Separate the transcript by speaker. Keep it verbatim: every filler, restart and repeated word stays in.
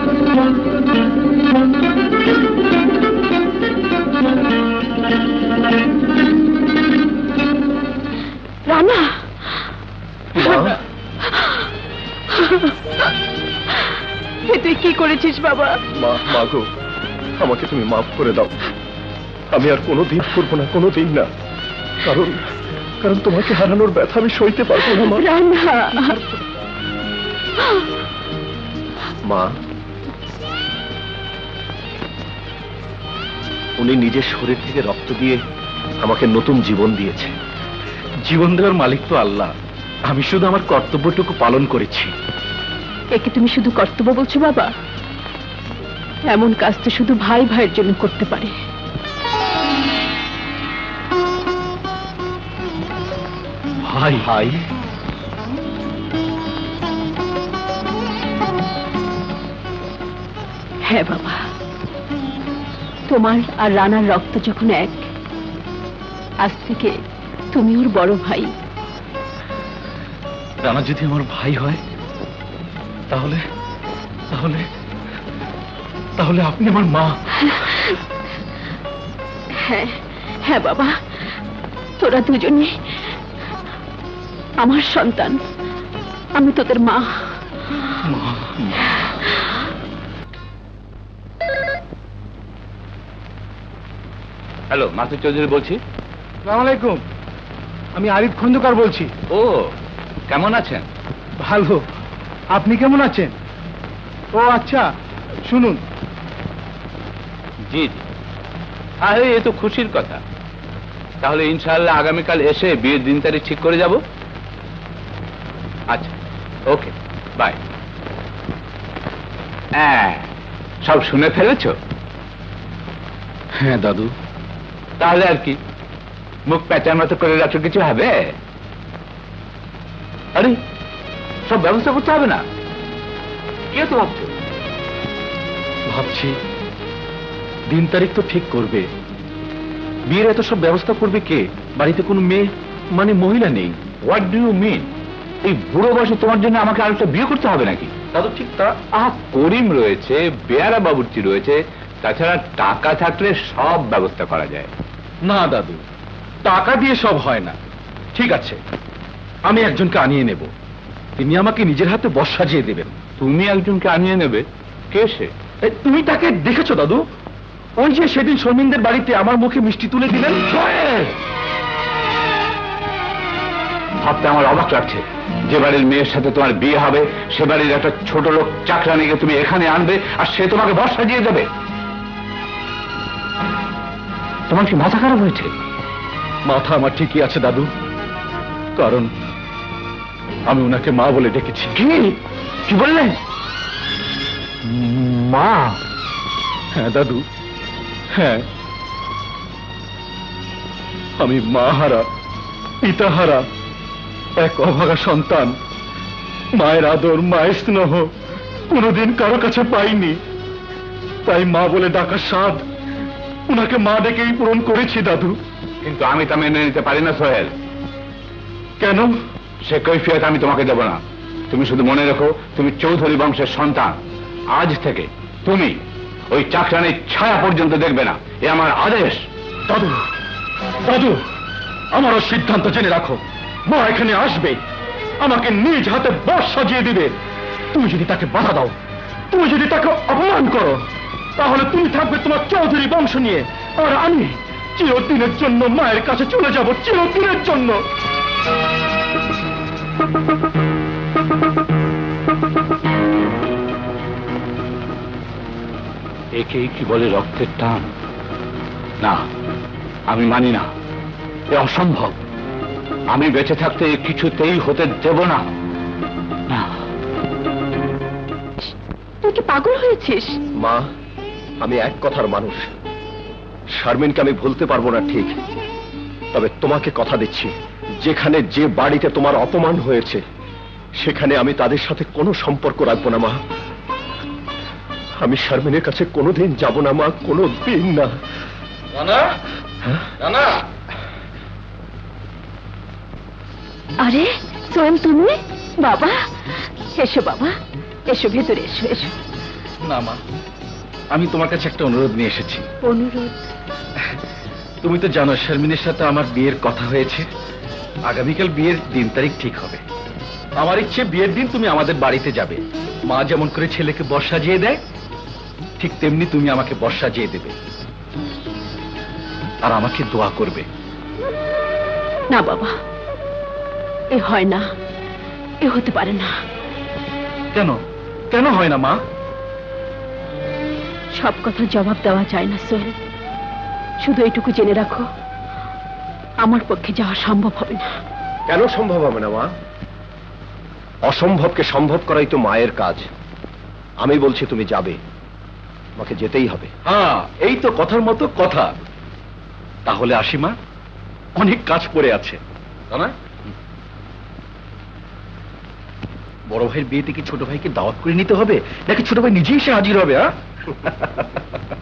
Speaker 1: রানা, তুই কি করেছিস বাবা?
Speaker 2: মা, মা গো, আমাকে তুমি মাফ করে দাও। আমি আর কোনোদিন করবো না, কোনোদিন না। কারণ কারণ তোমাকে হারানোর ব্যথা আমি সইতে পারবো না মা।
Speaker 1: রানা,
Speaker 2: মা, উনি নিজের শরীর থেকে রক্ত দিয়ে আমাকে নতুন জীবন দিয়েছে। জীবন দেওয়ার মালিক তো আল্লাহ। আমি শুধু আমার কর্তব্যটুকু পালন করেছি।
Speaker 1: একে তুমি শুধু কর্তব্য বলছো বাবা? এমন কাজ তো শুধু ভাই ভাইয়ের জন্য করতে পারে।
Speaker 2: ভাই ভাই
Speaker 1: হ্যাঁ বাবা, তোমার আর রানার রক্ত যখন এক, আজ থেকে তুমি ওর বড় ভাই।
Speaker 2: রানা যদি আমার ভাই হয় তাহলে তাহলে তাহলে আপনি আমার মা।
Speaker 1: হ্যাঁ হ্যাঁ বাবা, তোরা দুজনে আমার সন্তান। আমি তোদের মা।
Speaker 3: হ্যালো, মাসুদ চৌধুরী বলছি।
Speaker 4: আসসালামু আলাইকুম, আমি আরিফ খন্দকার বলছি।
Speaker 3: ও, কেমন আছেন?
Speaker 4: ভালো, আপনি কেমন আছেন? ও আচ্ছা, শুনুন।
Speaker 3: জি জি, আরে এ তো খুশির কথা। তাহলে ইনশাআল্লাহ আগামীকাল এসে বিয়ের দিন তারিখ ঠিক করে যাব। আচ্ছা, ওকে, বাই। হ্যাঁ, সব শুনে ফেলেছো?
Speaker 2: হ্যাঁ দাদু।
Speaker 3: তাহলে আর কি, মুখ প্যাঁচার মতো করে রাখো, কিছু হবে? আরে সব ব্যবস্থা করতে হবে না? কে তো ভাবছো?
Speaker 2: ভাবছি দিন তারিখ তো ঠিক করবে, বিয়ের এত সব ব্যবস্থা করবে কে? বাড়িতে কোনো মেয়ে মানে মহিলা নেই।
Speaker 3: What do you mean? এই বুড়ো বয়সে তোমার জন্য আমাকে আরেকটা বিয়ে করতে হবে নাকি?
Speaker 2: দাদু ঠিক তা।
Speaker 3: আহ, করিম রয়েছে, বেয়ারা বাবুর্চি রয়েছে, তাছাড়া টাকা থাকলে সব ব্যবস্থা করা যায়।
Speaker 2: না দাদু, টাকা দিয়ে সব হয় না। ঠিক আছে, আমি একজনকে আনিয়ে নেব, তিনি আমাকে নিজের হাতে বর সাজিয়ে দেবেন।
Speaker 3: তুমি একজনকে আনিয়ে নেবে? কে সে?
Speaker 2: এই, তুমি তাকে দেখেছো দাদু? ওই যে সেদিন শর্মিনদের বাড়িতে আমার মুখে মিষ্টি তুলে দিলেন।
Speaker 3: ভাবতে আমার অবাক লাগছে, যে বাড়ির মেয়ের সাথে তোমার বিয়ে হবে সে বাড়ির একটা ছোট লোক চাকরানিকে তুমি এখানে আনবে আর সে তোমাকে বর সাজিয়ে দেবে। তোমার কি মাথা খারাপ হয়েছে?
Speaker 2: মাথা আমার ঠিকই আছে দাদু, কারণ আমি ওনাকে মা বলে ডেকেছি।
Speaker 3: কি কি বললেন? মা?
Speaker 2: হ্যাঁ দাদু, হ্যাঁ, আমি মা হারা, পিতা হারা এক অভাগা সন্তান। মায়ের আদর, মায়ের স্নেহ কোনোদিন কারো কাছে পাইনি, তাই মা বলে ডাকার স্বাদ ওনাকে মা ডেকেই পূরণ করেছি দাদু।
Speaker 3: কিন্তু আমি তা মেনে নিতে পারি না সোহেল।
Speaker 2: কেন?
Speaker 3: সে কৈফিয়ত আমি তোমাকে দেব না। তুমি শুধু মনে রেখো, তুমি চৌধুরী বংশের সন্তান। আজ থেকে তুমি ওই চাকরানির ছায়া পর্যন্ত দেখবে না, এ আমার আদেশ।
Speaker 2: দাদু, দাদু, আমারও সিদ্ধান্ত জেনে রাখো, মা এখানে আসবে, আমাকে নিজ হাতে বর সাজিয়ে দিবে। তুমি যদি তাকে বাধা দাও, তুমি যদি তাকে অপমান করো, তাহলে তুমি থাকবে তোমার চৌধুরী বংশ নিয়ে, আর আমি চিরদিনের জন্য মায়ের কাছে চলে যাব, চিরদিনের জন্য।
Speaker 3: একে কি বলে রক্তের টান? না, আমি মানি না, এ অসম্ভব। আমি বেঁচে থাকতে এ কিছুতেই হতে দেব না। না।
Speaker 1: তুই কি পাগল হয়েছিস?
Speaker 2: মা, আমি এক কথার মানুষ। শারমিনকে আমি ভুলতে পারবো না ঠিক, তবে তোমাকে কথা দিচ্ছি, যেখানে যে বাড়িতে তোমার অপমান হয়েছে সেখানে আমি তাদের সাথে কোনো সম্পর্ক রাখবো না মা। আমি শারমিনের কাছে কোনোদিন যাব না মা, কোনো দিন না।
Speaker 5: রানা, রানা।
Speaker 1: আরে সোহেল, তুমি? বাবা এসো, বাবা এসো, ভেতরে এসো, এসো।
Speaker 2: না মা, আমি তোমার কাছে একটা অনুরোধ নিয়ে এসেছি।
Speaker 1: অনুরোধ?
Speaker 2: তুমি তো জানো শারমিনের সাথে আমার বিয়ের কথা হয়েছে। আগামীকাল বিয়ের দিন তারিখ ঠিক হবে। আমার ইচ্ছে বিয়ের দিন তুমি আমাদের বাড়িতে যাবে। মা যেমন করে ছেলেকে বর সাজিয়ে দেয়, ঠিক তেমনি তুমি আমাকে বর সাজিয়ে দেবে আর আমাকে দোয়া করবে।
Speaker 1: না বাবা, এ হয় না, এ হতে পারে না।
Speaker 2: কেন কেন হয় না মা?
Speaker 1: সব কথার জবাব দেওয়া যায় না সোহেল। শুধু এটুকু জেনে রাখো, আমার পক্ষে যাওয়া সম্ভব হবে না।
Speaker 6: কেন সম্ভব হবে না মা? অসম্ভবকে সম্ভব করাই তো মায়ের কাজ। আমি বলছি তুমি যাবে, আমাকে যেতেই হবে।
Speaker 2: হ্যাঁ, এই তো কথার মতো কথা। তাহলে আসি মা, অনেক কাজ পড়ে আছে। না বড় ভাইয়ের বিয়েতে কি ছোট ভাইকে দাওয়াত করে নিতে হবে, নাকি ছোট ভাই নিজেই এসে হাজির হবে? হ্যাঁ